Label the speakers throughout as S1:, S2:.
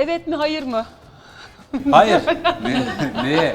S1: Evet mi hayır mı?
S2: Hayır. Neye?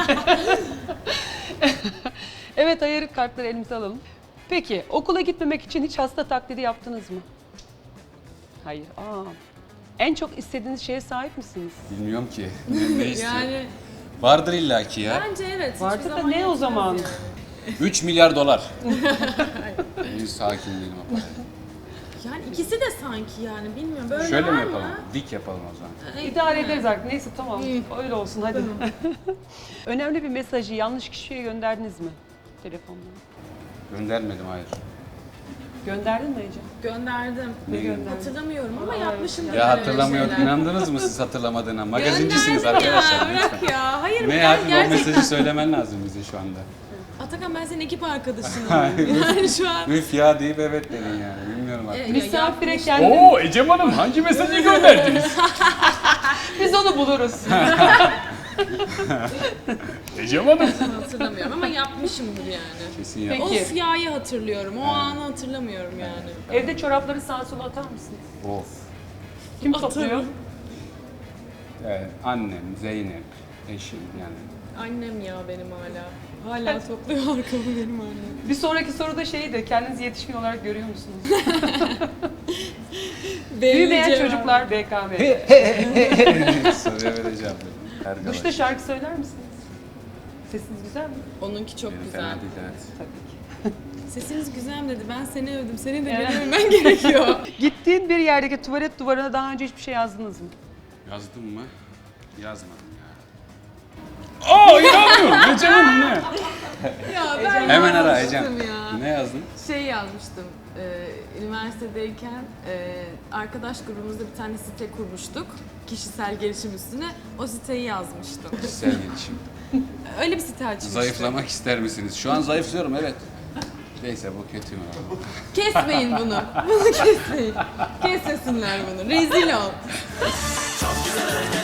S1: Evet hayır kartları elimize alalım. Peki okula gitmemek için hiç hasta taklidi yaptınız mı? Hayır. En çok istediğiniz şeye sahip misiniz?
S2: Bilmiyorum ki. Ne istiyor?
S3: Yani
S2: Vardır illaki ya.
S3: bence evet. hiçbir
S1: Vardı da
S3: zaman
S1: ne o
S3: yetmez
S1: zaman?
S3: yani.
S2: 3 milyar dolar. Henüz hakim değilim o paraya.
S3: Yani ikisi de sanki yani bilmiyorum. Böyle
S2: Şöyle
S3: var
S2: mi
S3: mı?
S2: yapalım? Dik yapalım o zaman.
S1: İdare ederiz artık. Neyse tamam. Öyle olsun hadi. Önemli bir mesajı yanlış kişiye gönderdiniz mi? Telefonla.
S2: Göndermedim, hayır.
S1: Gönderdin mi Ece?
S3: Gönderdim.
S1: Ne gönderdin?
S3: Hatırlamıyorum ama yapmışımdır.
S2: Ya
S3: ben öyle
S2: hatırlamıyor.
S3: şeyler.
S2: İnandınız mı siz hatırlamadığına? Magazincisiniz
S3: Gönderdim
S2: arkadaşlar.
S3: ya,
S2: lütfen.
S3: bırak ya. Hayır
S2: Ne
S3: ben
S2: hadi o
S3: gerçekten.
S2: mesajı söylemen lazım bize şu anda.
S3: Atakan ben senin ekip arkadaşınım. Yani şu an.
S2: Üf ya deyip evet dedin yani. Bilmiyorum artık.
S1: Misafire
S3: yapmış.
S1: kendini...
S2: Oo Ecem Hanım hangi mesajı gönderdiniz?
S1: Biz onu buluruz.
S2: Ecem Hanım.
S3: Hatırlamıyorum ama yapmışımdır yani.
S2: Kesin ya.
S1: Peki.
S3: O siyahı hatırlıyorum. O anı hatırlamıyorum yani.
S1: Evde çorapları sağa sola atar mısınız?
S2: Of.
S1: Kim
S3: Atarım.
S1: topluyor?
S2: Annem, Zeynep, eşim yani.
S3: Annem ya benim hala. Hala topluyor arkamı benim annem.
S1: Bir sonraki soruda şeydi, kendinizi yetişkin olarak görüyor musunuz? Büyümeyen
S3: Cevap.
S1: çocuklar BKM.
S2: Soruya vereceğim. Arkadaş.
S1: Duşta şarkı söyler misiniz? Sesiniz güzel mi?
S3: Onunki çok
S2: Benim
S3: güzel.
S2: fena değil, evet.
S1: Tabii ki.
S3: Sesiniz güzel mi dedi. Ben seni övdüm. Seni de
S1: Evet.
S3: beğenmen gerekiyor.
S1: Gittiğin bir yerdeki tuvalet duvarına daha önce hiçbir şey yazdınız mı?
S2: Yazdım mı? Yazmadım ya. Aa inanmıyorum. Ecem Hanım ne?
S3: Ya ben
S2: Hemen ara
S3: yazmıştım
S2: Ecem.
S3: ya.
S2: Ne yazdın?
S3: Şey yazmıştım. Üniversitedeyken arkadaş grubumuzda bir tane site kurmuştuk. Kişisel gelişim üstüne. O siteyi yazmıştım.
S2: Kişisel gelişim.
S3: Öyle bir site açmıştım.
S2: Zayıflamak ister misiniz? Şu an zayıflıyorum, evet. Neyse bu kötü mü?
S3: Kesmeyin bunu. Bunu kesmeyin. Kesmesinler bunu. Rezil ol.
S4: Çok güzel hareket.